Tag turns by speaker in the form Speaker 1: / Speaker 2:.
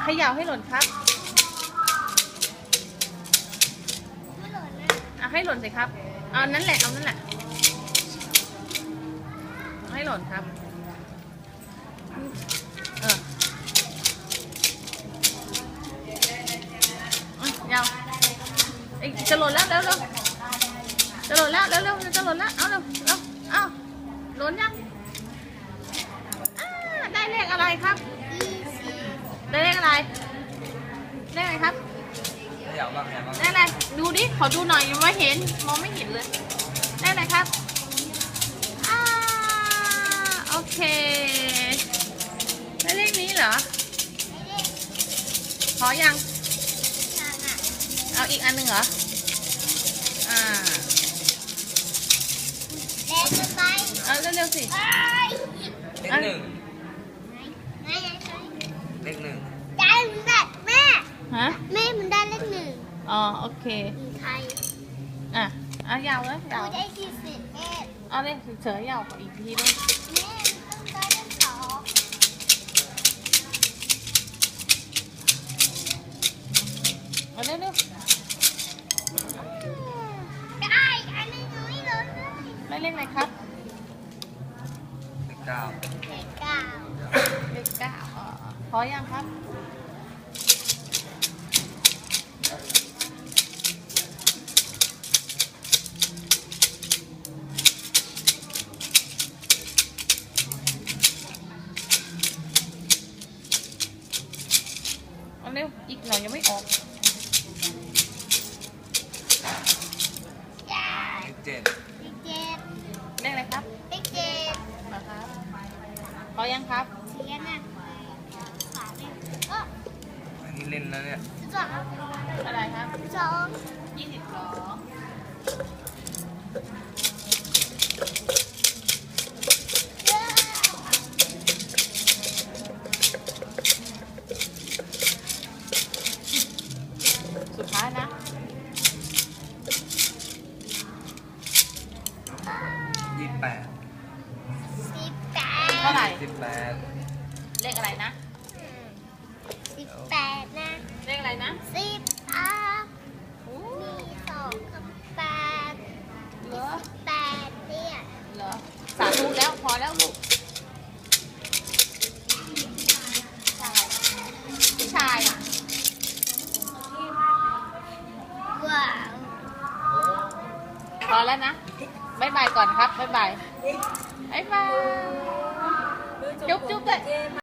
Speaker 1: เขย่าให้หล่นครับให้หล่นสิครับเอานั่นแหละเอานั่นแหละให้หล่นครับยาวจะหล่นแล้วเร็วจะหล่นแล้วเร็วจะหล่นแล้วเอาเร็วเอาหล่นยังได้เลขอะไรครับได้เลขอะไรได้อะไรครับได้อะไรดูดิขอดูหน่อยยังไม่เห็นมองไม่เห็นเลยได้อะไรครับโอเคได้เลขนี้เหรอพอยังเอาอีกอันหนึ่งเหรอ
Speaker 2: เล่นไป
Speaker 1: เอาเร็วๆสิ
Speaker 3: เลขหนึ่งเลขหนึ่ง
Speaker 2: ได้มันได้แม่แม่มันได้เลขหนึ่ง
Speaker 1: อ๋อโอเค
Speaker 2: ไทย
Speaker 1: เอายาวเลยยาว
Speaker 2: ได้41
Speaker 1: เอาเลยเฉยๆยาวอีกทีด้วย
Speaker 2: แม่ต้องได้เลข2
Speaker 1: เอาเร็ว
Speaker 2: ได้อันนี้ไม่ล้นเลย
Speaker 1: ได้เลขอะไรครับ
Speaker 3: เลข 9
Speaker 1: เลข 9พอยังครับเอาเร็วอีกหน่อยยังไม่ออก
Speaker 3: เลข 7
Speaker 1: เลขอะไรครับ
Speaker 2: เลข7
Speaker 1: นะครับพอยังครับ
Speaker 2: เสียนะฝาเนี่ย
Speaker 3: อันนี้เล่นแล้วเนี่ย
Speaker 2: 2
Speaker 1: อะไรครับ
Speaker 2: 22
Speaker 1: สุดท้ายนะ
Speaker 3: 28
Speaker 1: เท่าไหร่
Speaker 3: 18
Speaker 1: เลขอะไรนะ
Speaker 2: 18นะ
Speaker 1: เลขอะไรนะ
Speaker 2: 10มี2กับ8
Speaker 1: เหรอ
Speaker 2: 8เนี่ย
Speaker 1: เหรอสาธุแล้วพอแล้วลูกผู้ชาย
Speaker 2: ว้าว
Speaker 1: พอแล้วนะบ๊ายบายก่อนครับบ๊ายบายบ๊ายบายจุ๊บเลย